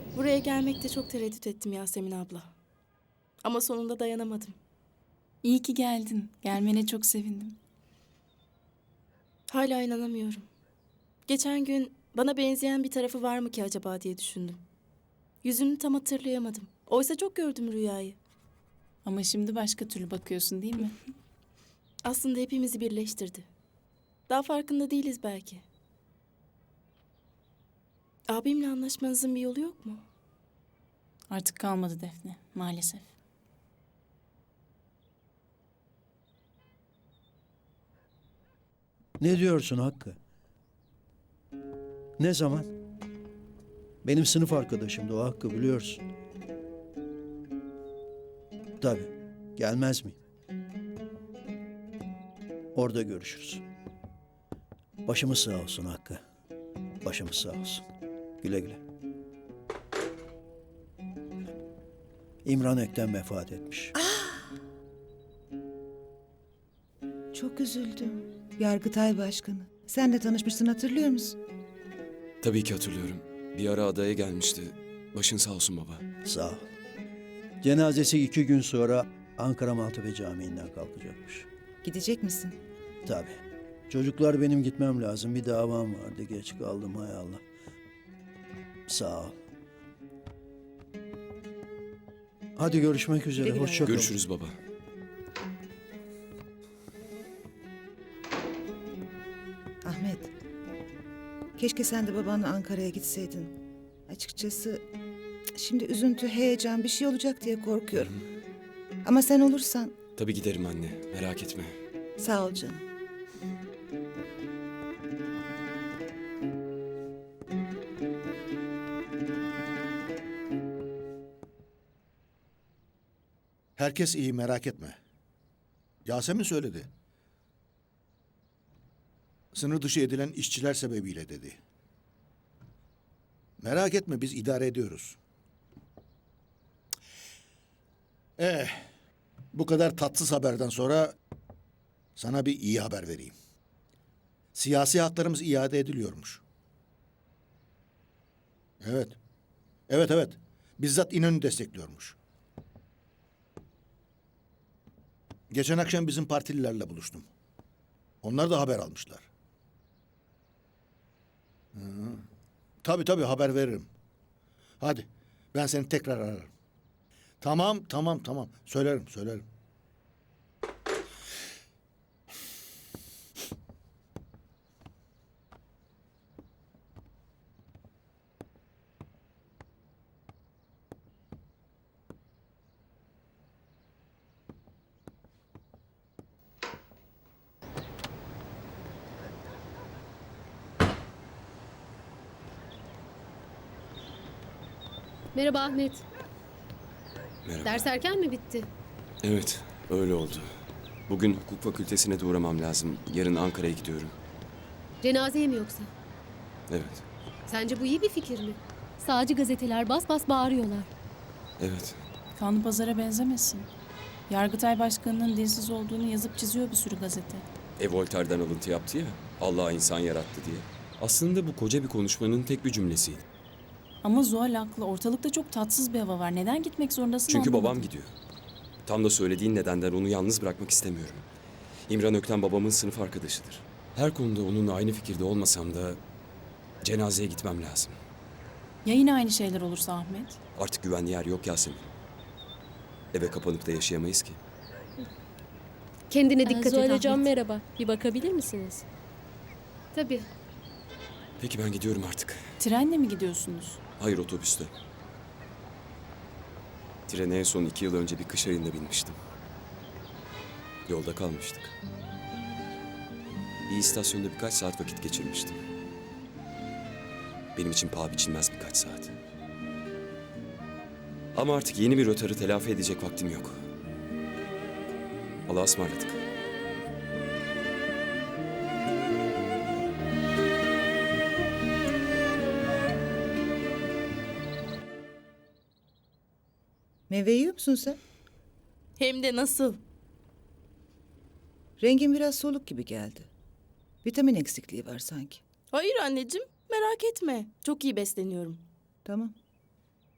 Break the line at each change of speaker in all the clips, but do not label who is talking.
Buraya gelmekte çok tereddüt ettim Yasemin abla. Ama sonunda dayanamadım.
İyi ki geldin. Gelmene çok sevindim.
Hala inanamıyorum. Geçen gün bana benzeyen bir tarafı var mı ki acaba diye düşündüm. Yüzünü tam hatırlayamadım. Oysa çok gördüm rüyayı.
Ama şimdi başka türlü bakıyorsun değil mi?
Aslında hepimizi birleştirdi. Daha farkında değiliz belki. Abimle anlaşmanızın bir yolu yok mu?
Artık kalmadı Defne, maalesef.
Ne diyorsun Hakkı? Ne zaman? Benim sınıf arkadaşımdı o Hakkı, biliyorsun. Tabii. Gelmez miyim? Orada görüşürüz. Başımız sağ olsun Hakkı. Başımız sağ olsun. Güle güle. İmran Ökten vefat etmiş.
Çok üzüldüm. Yargıtay Başkanı. Sen de tanışmışsın, hatırlıyor musun?
Tabii ki hatırlıyorum. Bir ara adaya gelmişti. Başın sağ olsun baba.
Sağ ol. Cenazesi 2 gün sonra Ankara Maltepe Camii'nden kalkacakmış.
Gidecek misin?
Tabii. Çocuklar, benim gitmem lazım. Bir davam vardı. Geç kaldım, hay Allah. Sağ ol. Hadi görüşmek üzere.
Güle güle.
Hoşça kal.
Görüşürüz baba.
Ahmet. Keşke sen de babanla Ankara'ya gitseydin. Açıkçası şimdi üzüntü, heyecan bir şey olacak diye korkuyorum. Ama sen olursan
Tabii giderim anne. Merak etme.
sağ ol canım.
Herkes iyi, merak etme. Yasemin söyledi. Sınır dışı edilen işçiler sebebiyle dedi. Merak etme, biz idare ediyoruz. Bu kadar tatsız haberden sonra sana bir iyi haber vereyim. Siyasi haklarımız iade ediliyormuş. Evet. Evet. Bizzat İnönü destekliyormuş. Geçen akşam bizim partililerle buluştum. Onlar da haber almışlar. Tabii haber veririm. Hadi, ben seni tekrar ararım. Tamam. Söylerim.
Merhaba Ahmet.
Merhaba.
Ders erken mi bitti?
Evet, öyle oldu. Bugün hukuk fakültesine de uğramam lazım. Yarın Ankara'ya gidiyorum.
Cenazeye mi yoksa?
Evet,
Sence bu iyi bir fikir mi? Sağcı gazeteler bas bas bağırıyorlar.
evet.
Kanlı pazara benzemesin. Yargıtay Başkanı'nın dilsiz olduğunu yazıp çiziyor bir sürü gazete.
Voltaire'den alıntı yaptı ya. Allah insan yarattı diye. Aslında bu koca bir konuşmanın tek bir cümlesiydi.
Ama Zuhal haklı. Ortalıkta çok tatsız bir hava var. Neden gitmek zorundasın
Çünkü
anlamadım.
babam gidiyor. Tam da söylediğin nedenden onu yalnız bırakmak istemiyorum. İmran Ökten babamın sınıf arkadaşıdır. Her konuda onunla aynı fikirde olmasam da cenazeye gitmem lazım.
Ya yine aynı şeyler olursa Ahmet?
Artık güvenli yer yok Yasemin. Eve kapanıp da yaşayamayız ki.
Kendine dikkat et
Zuhal
Ahmet.
Hocam merhaba. Bir bakabilir misiniz?
Tabii.
Peki ben gidiyorum artık.
Trenle mi gidiyorsunuz?
Hayır, otobüste. Trene en son 2 yıl önce bir kış ayında binmiştim. Yolda kalmıştık. Bir istasyonda birkaç saat vakit geçirmiştim. Benim için paha biçilmez birkaç saat. Ama artık yeni bir rötarı telafi edecek vaktim yok. Allah'a ısmarladık.
Meyve yiyor musun sen?
Hem de nasıl?
Rengin biraz soluk gibi geldi. Vitamin eksikliği var sanki.
Hayır anneciğim, merak etme. Çok iyi besleniyorum.
Tamam.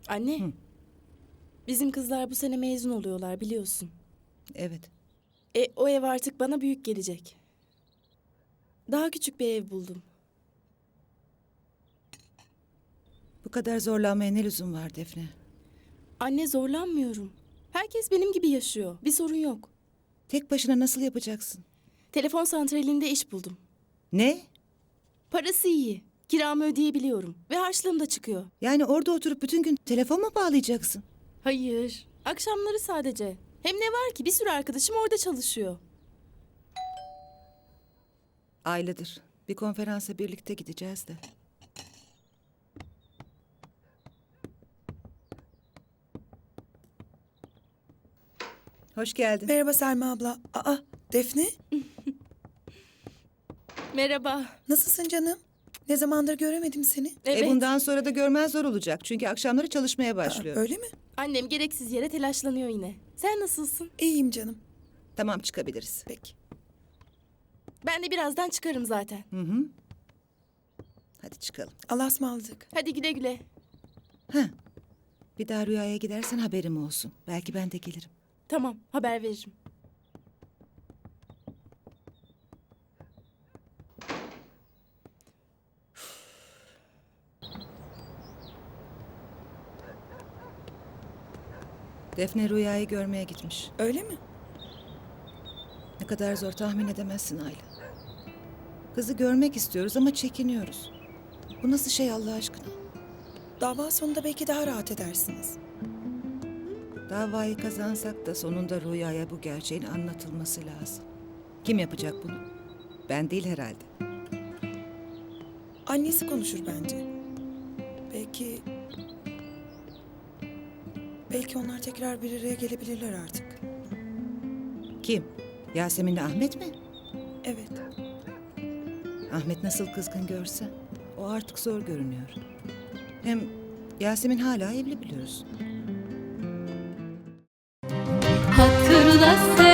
Anne. Bizim kızlar bu sene mezun oluyorlar biliyorsun.
Evet.
O ev artık bana büyük gelecek. Daha küçük bir ev buldum.
Bu kadar zorlanmaya ne lüzum var Defne?
Anne zorlanmıyorum. Herkes benim gibi yaşıyor. Bir sorun yok.
Tek başına nasıl yapacaksın?
Telefon santralinde iş buldum.
Ne?
Parası iyi. Kiramı ödeyebiliyorum. Ve harçlığım da çıkıyor.
Yani orada oturup bütün gün telefon mu bağlayacaksın?
Hayır. Akşamları sadece. Hem ne var ki bir sürü arkadaşım orada çalışıyor.
Aylıdır. Bir konferansa birlikte gideceğiz de. Hoş geldin.
Merhaba Selma abla. Aa, Defne,
Merhaba.
nasılsın canım? Ne zamandır göremedim seni.
Evet.
Bundan sonra da görmen zor olacak. Çünkü akşamları çalışmaya başlıyor.
Öyle mi?
Annem gereksiz yere telaşlanıyor yine. Sen nasılsın?
İyiyim canım.
Tamam, çıkabiliriz.
Peki.
Ben de birazdan çıkarım zaten.
Hadi çıkalım.
Allah'a ısmarladık.
Hadi güle güle.
Bir daha rüyaya gidersen haberim olsun. Belki ben de gelirim.
Tamam, haber veririm.
Defne rüyayı görmeye gitmiş.
Öyle mi?
Ne kadar zor tahmin edemezsin Ayla. Kızı görmek istiyoruz ama çekiniyoruz. Bu nasıl şey Allah aşkına?
Dava sonunda belki daha rahat edersiniz.
Davayı kazansak da sonunda rüyaya bu gerçeğin anlatılması lazım. Kim yapacak bunu? Ben değil herhalde.
Annesi konuşur bence. Belki onlar tekrar bir araya gelebilirler artık.
Kim? Yasemin'le Ahmet mi?
Evet.
Ahmet nasıl kızgın görse. O artık zor görünüyor. Hem Yasemin hala evli biliyorsun.
Hatırla sen